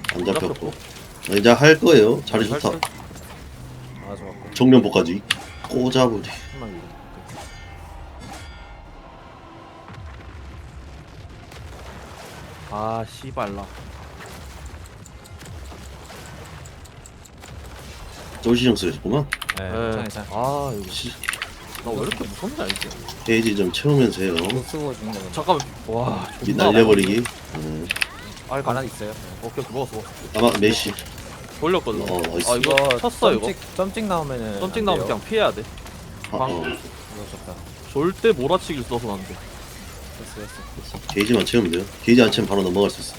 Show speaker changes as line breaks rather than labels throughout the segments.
안 잡혔고. 이제 할 거예요. 자리 좋다.
아 좋았고.
정면보까지 꽂아버리.
한방 이거.
아 씨발라.
쫄시정 쓰셨구만.
네.
네.
괜찮아.
아 이거 나 왜 이렇게 무섭냐 이게.
페이지 좀 채우면서 해요.
못 쓰고 죽는 거는.
잠깐만. 와.
이
존나
날려버리기.
아이
하나
가나.
있어요.
오케이 먹었어.
아마 메시.
돌렸거든.
나이스.
아 이거 쳤어 이거.
점찍 나오면은.
썸찍
안
나오면
돼요.
그냥 피해야 돼.
아,
이거 좋다.
절대 몰아치기를 써서 안 돼.
됐어.
게이지만 채우면 돼요. 게이지 안 채우면 바로 넘어갈 수 있어.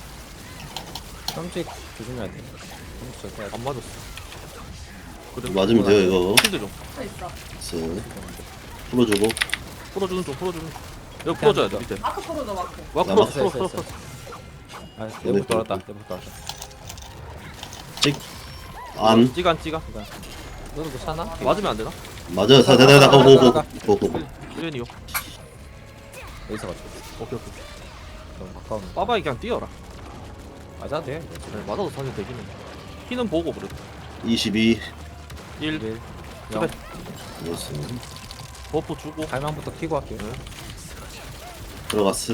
점찍 조심해야 돼. 점찍 좋다.
안 맞았어. 그래.
맞으면 돼요 이거.
필드 좀.
쓱. 풀어주고.
풀어주는 좀 풀어주는. 여기 풀어줘야 돼 밑에.
마크 프로도 마크.
와
남았어,
풀어 풀어
있어,
풀어.
있어. 아 내부 돌았다. 내부 돌았다.
찍. 안.
찌간 찌간.
너도 뭐 차나?
맞으면 안 되나?
맞아. 다다다다. 고고고.
1년이요.
여기서 가자.
오케이 오케이.
너무 가까운.
빠바이 그냥 뛰어라.
맞아도 돼.
네, 맞아도 사실 되긴 해. 피는 보고 그래도.
22.
1
1.
그래.
됐어.
버프 주고.
갈망부터 키고 할게요.
들어갔어.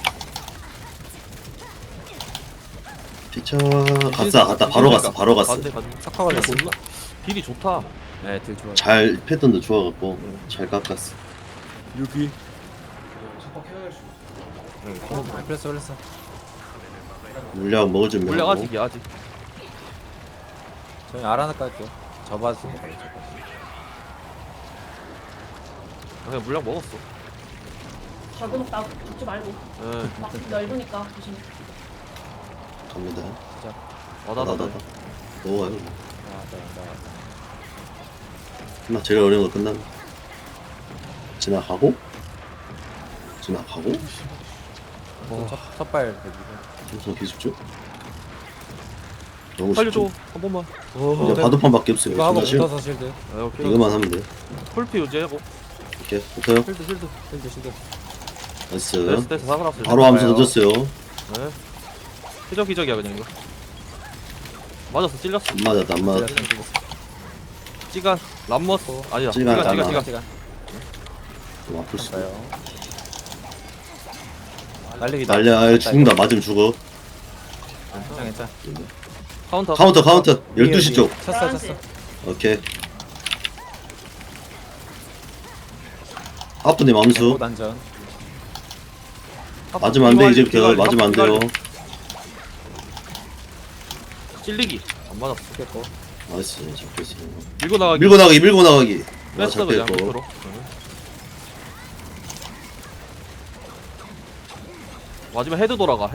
피쳐. 갔다. 바로 갔어. 바로 갔어.
간대 간대.
석화 걸렸어.
딜이 좋다.
네, 딜 좋아.
잘 패턴도 좋아갖고 잘 깎았어.
여기.
플레스 올렸어.
물량 먹을 준비.
물량 아직이야 아직.
저희 알아나 깔게요. 접어주세요.
그냥 물량 먹었어.
잡아놓다 죽지 말고.
예.
막 넓으니까 조심.
갑니다.
와다다다.
넘어가요.
나.
끝나. 제일 어려운 거 끝나면 지나가고.
첫발 대기.
우선 기술죠. 너무
살려줘
쉽죠.
한 번만.
이제 바둑판밖에 없어요.
이거 하고
지금
붙어서 실드.
네, 오케이.
이거만 하면 돼.
풀피 유지하고.
이렇게 붙어요.
실드.
나이스.
됐어 사그라스.
바로 하면서 던졌어요.
네. 기적이야 그냥 이거. 맞았어 찔렸어.
안 맞았다. 안 맞았다.
찌간 람머스 아니다.
찌간,
찌간.
시간.
좀 아플 수.
가요. 날리기.
날려. 아예 죽는다. 맞으면 죽어.
괜찮.
카운터.
카운터. 12시 쪽.
쳤어.
오케이. 하프님 암수.
단전.
맞으면 안 돼. 이제부터 맞으면 안 돼요.
찔리기 안 맞았어.
깼고.
나이스. 잡혔어.
밀고 나가기.
밀고 나가기.
뺐어 그냥
잡혔고.
밑으로. 마지막 헤드 돌아가.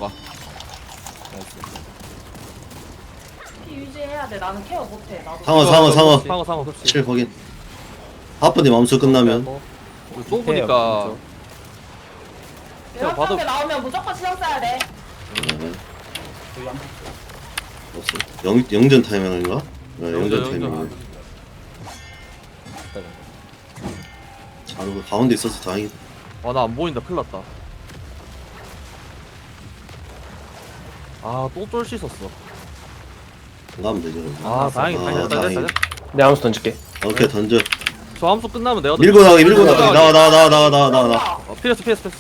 피 유지해야 돼. 나는 케어 못해. 나도.
상어. 7 확인. 하프님 암수 끝나면.
좁으니까
내가
봐도-
게 나오면 무조건 시정 써야 돼.
없어. 영전 타이밍인가? 네, 영전
영전.
타이밍. 잘 가운데 있어서 다행이다.
나 안 보인다. 큰일 났다. 또 쫄 씻었어.
가면 되죠. 그럼.
다행이다.
다행이다.
내 암수 던질게.
오케이 던져.
저 함수 끝나면 내가
밀고 나가기. 나와.
피했어.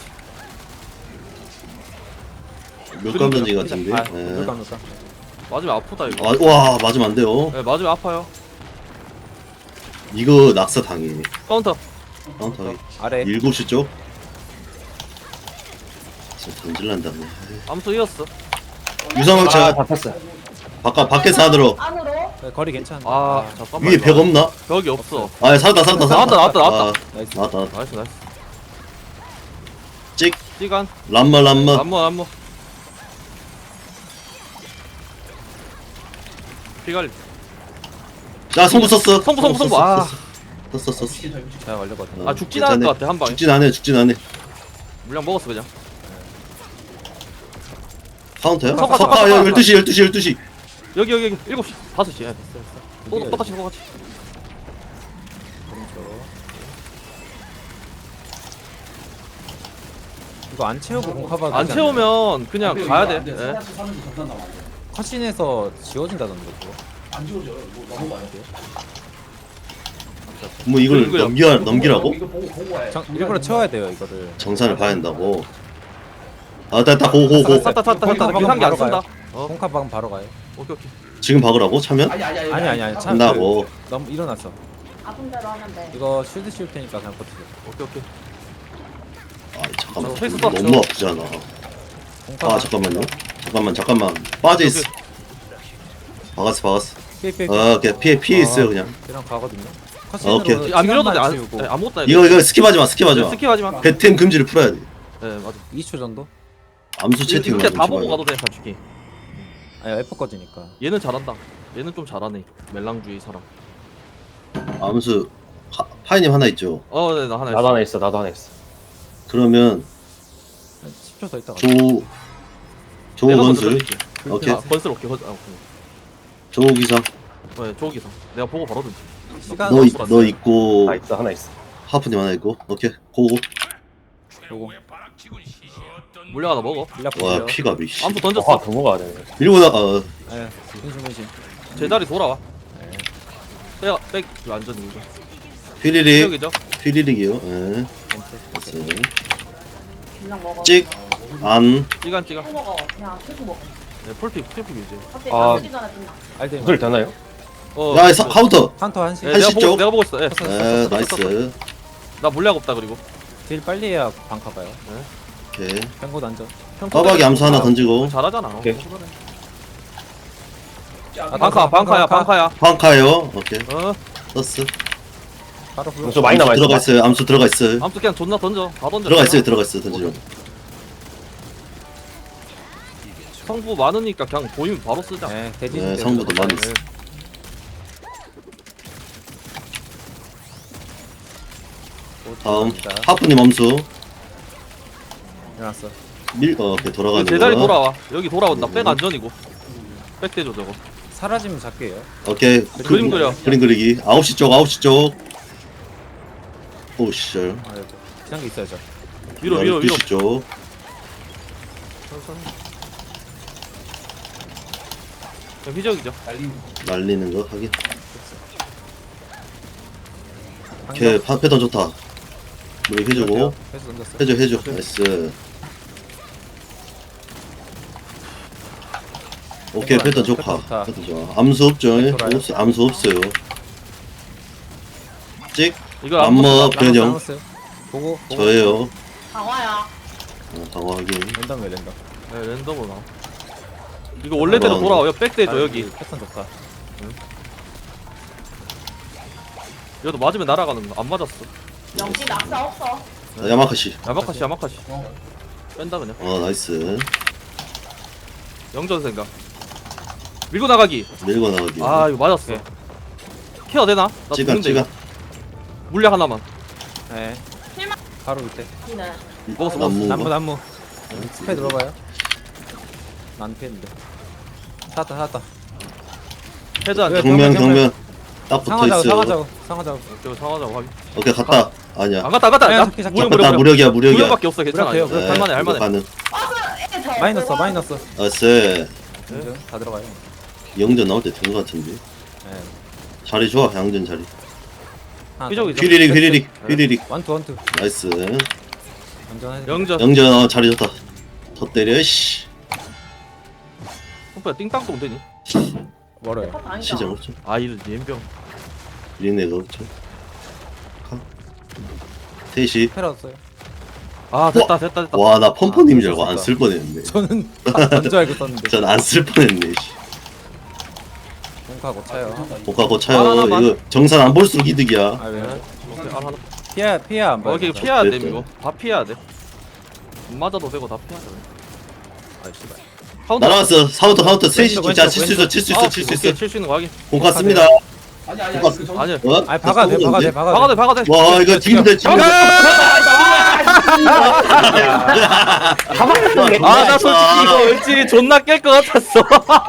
물감 던지 같은데.
아,
네.
물감.
맞으면 아프다 이거.
와 맞으면 안 돼요.
네, 맞으면 아파요.
이거 낙사 당해.
카운터.
카운터.
아래.
7시 쪽. 진짜 던질란다네.
암수 이었어.
유성학차
잡혔어.
밖에서 안으로.
안으로.
네, 거리 괜찮아.
잠깐만.
위에 벽 없나?
벽이 없어.
아 살았다.
나왔다.
나이스.
나왔다.
나이스.
찍.
찌간.
람마.
안무. 피갈리.
자 성부 썼어.
성부.
썼어.
잘 걸렸거든.
죽진 않을 것 같아 한 방에.
죽진 않네.
물량 먹었어 그냥.
카운터야?
석화.
석화 12시.
여기 7시 5시. 예. 똑같이.
이거 안 채우고 공카바.
안 채우면 그냥 가야 돼. 예.
컷신에서 지워진다던데 그거.
안 지워져요. 이거 너무 많이 돼요.
뭐 이걸
이거요.
넘기라고?
이거 보고 와요.
일부러 채워야 돼요 이거를.
정산을 봐야 한다고. 아, 됐다. 고고고.
샀다 비상기 안 쓴다.
공카 방금 바로 가요.
오케이 오케이.
지금 박으라고 차면?
아니, 참.
한다고.
너무 일어났어.
아픈 대로 하면 돼.
이거 쉴드 씌울 테니까 그냥 버티세요.
오케이 오케이.
아, 잠깐만.
저 페이스 떴죠.
너무 아프잖아.
공카.
아, 잠깐만요. 잠깐만. 빠져 있어. 박았어.
피해.
아, 그냥 피해 있어요 그냥.
이랑 가거든요.
오케이.
컷신으로
안 밀어도 돼.
시간만 치우고
아무것도 안 해.
이거 스킵하지 마.
스킵하지 마.
배템 금지를 풀어야 돼.
네 맞아.
2초 정도?
암수 채팅만
이렇게 다
좀
보고
해봐요.
가도 돼 솔직히.
아니 F 꺼지니까.
얘는 잘한다. 얘는 좀 잘하네. 멜랑주의 사람.
암수 파이님 하나 있죠.
네, 나 하나
나도
있어.
하나 있어. 나도 하나 있어.
그러면
10초 더 있다가.
조
내가 먼저
건슬.
들어갈게.
오케이.
건슬 오케이. 오케이.
조 기사.
네, 조기사. 내가 보고 바로 든지.
시간
너 있고
나 있어. 하나 있어.
하프님 하나 있고. 오케이. 고고.
요거
물량 하나 먹어.
밀려
와
보세요.
피가 미씨.
아무도
아,
던졌어.
더 먹어야 되네.
밀고 나
예. 분신.
제자리 돌아와.
네.
백 완전 이거.
휘리릭.
여기죠.
휘리릭이요. 예. 됐어요.
그냥 먹어.
찍. 안.
찌간.
또 먹어. 그냥 계속 먹어.
네, 풀픽 이제.
갑자기
아.
다 쓰기 전에 끝나.
알데.
구슬 되나요?
야 카운터.
카운터 한시.
네,
한시 쪽.
내가 보고 있어. 예.
예, 나이스.
나 물량 없다 그리고.
딜 빨리 해야 방카 봐요.
오케이.
뱅고 던져.
빠박이 암수 하나 던지고.
잘하잖아.
오케이.
방카야.
황카요. 오케이.
떴어.
바로 불러.
저 많이
암수
남아
들어가
있어.
있어요. 암수 들어가 있어요.
아무튼 그냥 존나 던져. 다 던져.
들어가 있어요. 던지려.
성부 많으니까 그냥 보이면 바로 쓰자.
네, 대지.
네, 성부도 많이 있어. 다음 하프님 암수.
일어났어.
오케이 돌아가는
제자리
거.
돌아와. 여기 돌아온다. 백 안전이고. 백 대줘 저거.
사라지면 잡게요.
오케이.
그림 그려.
그림 그리기. 9시 쪽. 오씨.
아이고. 비상기 있어야죠.
위로.
12시 쪽.
그냥 휘적이죠.
날리는 거 확인. 오케이. 패턴 좋다. 우리 해주고.
해서 던졌어.
해줘. 나이스. 오케이. 패턴 좋다. 패턴 좋아. 암수 없죠? 암수 없어요. 찍.
이거
암머 변형.
남았어요. 보고.
저예요.
강화야.
강화 확인.
랜덤 왜 랜덤?
네, 랜덤으로 나와. 이거 원래대로 돌아와요. 백 대줘 여기.
패턴 좋다.
여기도 맞으면 날아가는 거. 안 맞았어.
영지 낙사 없어.
야마카시.
야마카시. 뺀다 그냥.
나이스.
영전 생각. 밀고 나가기.
밀고 나가기.
아 이거 맞았어. 케어 되나? 나
찌간.
죽는데 이거. 물량 하나만.
네.
실망.
바로 밑에.
니는.
먹었어.
나무. 스페 들어가요. 난 피했는데. 찾았다.
헤드 안 돼.
경면. 딱 붙어 있어요.
상하자고.
오케이 상하자고 확인.
오케이 갔다. 아니야.
안 갔다.
아니야, 잡기.
갔다. 무력이야.
무력밖에 없어. 괜찮아.
무력해요.
이거. 할만해.
가능.
마이너스.
나이스.
다 들어가요.
영전 나올 때 된 거 같은데.
네.
자리 좋아. 양전 자리.
휘적이죠.
휘리릭.
원투.
나이스.
안전하게.
영전.
영전 자리 좋다. 더 때려 씨.
오빠 띵땅도 못 되니?
멀어요.
진짜 없죠.
아 이런 연병.
리네가 없죠. 셋이.
패러졌어요.
아 됐다.
와 나 펌퍼님 줄 알고 안 쓸 뻔했네.
저는 던져 알고 썼는데.
전 안 쓸 뻔했네. 씨.
공카 고차요.
복가 고차요.
하나만.
이거 정산 안 볼수록 이득이야.
아 왜?
오케이 하나.
피해 안 봐요.
오케이
진짜.
피해야 돼
됐죠.
이거. 다 피해야 돼. 안 맞아도 되고 다 피해야 돼.
아 씨발.
카운터.
날아갔어. 카운터 셋이
왼쪽,
진짜
왼쪽,
칠수 있어.
오케이, 칠수 있는 거 확인.
공가 씁니다.
아니.
아니야.
어?
아니 박아 돼.
박아대.
와 이거 지금도 지금.
아 나 솔직히 이거 왠지 존나 깰 것 같았어.